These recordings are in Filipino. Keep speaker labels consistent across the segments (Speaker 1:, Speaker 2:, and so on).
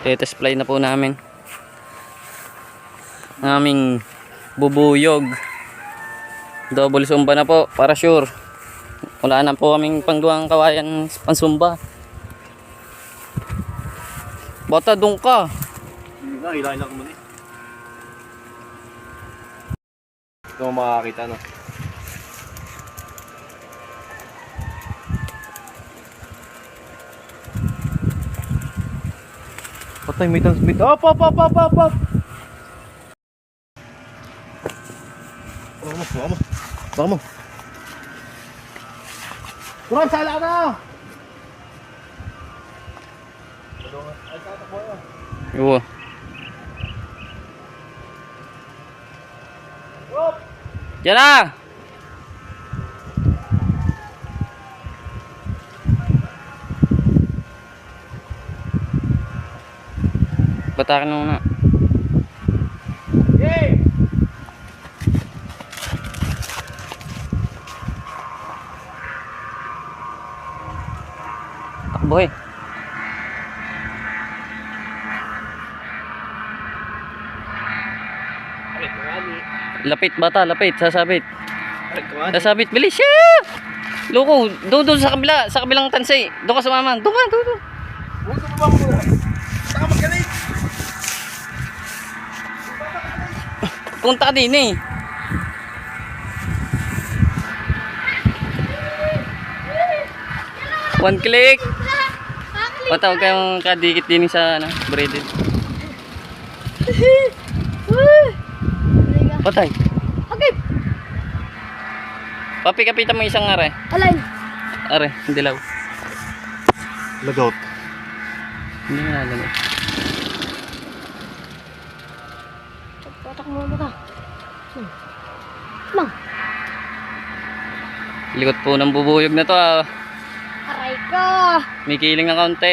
Speaker 1: Test fly na po namin. Naming bubuyog. Double sumba na po para sure. Wala na po kaming pangduang kawayan pansumba. Bata doon ka.
Speaker 2: Hindi nga, hilahin ako muna eh. Ito mo makakita, no? Patay, may transmit. Op! Baka mo. Kurang, sala ka na! Ay, tatakbo yun.
Speaker 1: Yo. Yan na! Batakin mo na.
Speaker 2: Yay!
Speaker 1: Takbo eh. Lapit bata, lapit, sasabit. Sasabit, bilis siya! Loko, doon sa kabilang tansay. Doon ka sumama, doon.
Speaker 2: Huwag ka ba mo? Saka magalit!
Speaker 1: Punta ka din eh. One click. Bata, huwag kayong kadikit din sa braided. Patay.
Speaker 3: Okay.
Speaker 1: Papi, kapitan mo isang are.
Speaker 3: Alay.
Speaker 1: Are, hindi law.
Speaker 2: Lagot.
Speaker 1: Hindi nga lang.
Speaker 3: Patak mo ka. Mang.
Speaker 1: Likot po ng bubuyog na to ah.
Speaker 3: Aray ka.
Speaker 1: May kiling na kaunti.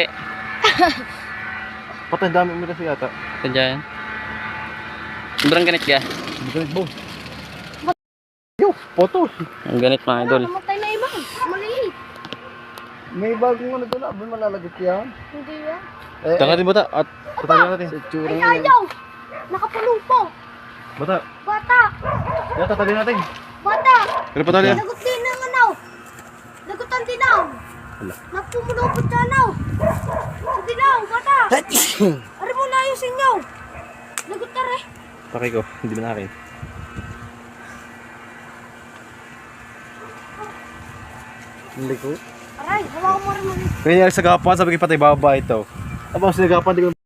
Speaker 2: Patay, dami mo kasi yata.
Speaker 1: Ito dyan. Sobrang ganit ka.
Speaker 2: Hindi ka nagbaw. Yo, photo.
Speaker 1: Ang ganit mga idol.
Speaker 3: Namatay na iba. Maliit.
Speaker 2: May bagong ano doon, abon malalagot yan.
Speaker 3: Hindi yan.
Speaker 2: Tanga din bata, at patay natin. Sa tsura
Speaker 3: Ay,
Speaker 2: nga.
Speaker 3: ayaw. Nakapuno po.
Speaker 2: Bata,
Speaker 3: Bata.
Speaker 2: yata tali natin.
Speaker 3: Bata.
Speaker 2: Pero patali yan.
Speaker 3: Lagot din ng ano. Lagot ang dinaw. Napumulupot sa ano. Sa dinaw, bata. Ari mo na yung sinyaw. Lagot na rin.
Speaker 2: Pakay ko, hindi mo na akin. Hindi ko.
Speaker 3: Aray, hawakan mo rin mo.
Speaker 2: Kaya sa gapan, sabi ko patay baba ito. Abang sa gapan, di ko